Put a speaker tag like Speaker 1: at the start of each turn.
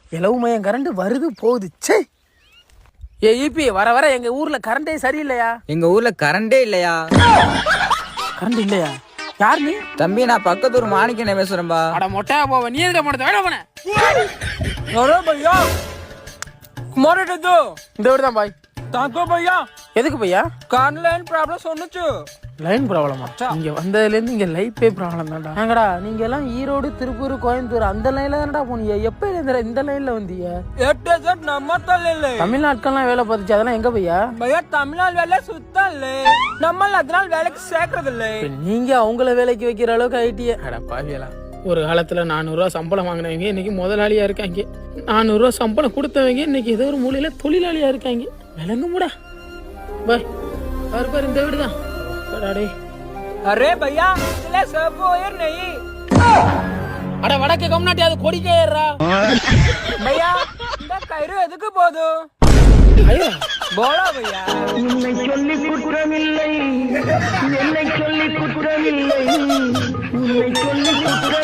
Speaker 1: இலவு மையம் கரண்ட் வருது போகுது. சே ஏ ஈபி வர வர எங்க ஊர்ல கரண்டே சரியில்லையா?
Speaker 2: எங்க ஊர்ல கரண்டே இல்லையா?
Speaker 1: கரண்ட் இல்லையா? யார் நீ?
Speaker 2: தம்பி நான் பக்கத்தூர் மாணிக்கனே பேசுறேன்பா.
Speaker 1: அட மொட்டையா போவ நீ எதுக்கு மொட்டை வேணா போன?
Speaker 3: अरे भैया कुमार दो
Speaker 1: இந்த வீடு தான் பாய்.
Speaker 3: ताको भैया
Speaker 1: எதுக்கு பையா?
Speaker 3: कान लाइन प्रॉब्लम सोनुचु
Speaker 1: லைன் ப்ராப்ளமா? இங்க வந்ததுலேருந்து இங்க லைஃபே ப்ராப்ளம் தான்டா. ஏங்கடா நீங்க எல்லாம் ஈரோடு திருப்பூர் கோயம்புத்தூர் அந்த லைன்ல தான்டா போனீங்க. எப்ப இந்த லைன்ல வந்தீங்க?
Speaker 3: 8 நம்மத்தல்ல
Speaker 1: தமிழ்நாட்டுக்கெல்லாம் வேலை பார்த்துச்சு. அதெல்லாம் எங்க பையா?
Speaker 3: भैया तमिलनाडु வேலை சுத்தல்ல நம்ம அதனால வேலைக்கு சேர்க்கறது இல்ல.
Speaker 1: நீங்க அவங்கள வேலைக்கு வைக்கிற அளவுக்கு ஐடியா. அட பாவியலா, ஒரு காலத்துல 400 ரூபா சம்பளம் வாங்கினவங்க இன்னைக்கு முதலாளியா இருக்காங்க. 400 ரூபா சம்பளம் கொடுத்தவங்க இன்னைக்கு ஏதோ ஒரு மூலையில தொழிலாளியா இருக்காங்க. விளங்க முடா பாய். பாரு இந்த வீடு தான்.
Speaker 3: अरे भैया इसले सब ओयर नहीं.
Speaker 1: அட வடக்கு கம்னாட்டி அது கொடிக்கே ஏறா.
Speaker 3: भैया இந்த கயிறு எதுக்கு போகுது?
Speaker 1: ஐயோ
Speaker 3: போடா भैया.
Speaker 4: உன்னை சொல்லி குற்றமில்லை, என்னை சொல்லி குற்றமில்லை, உன்னை சொல்லி குற்றம்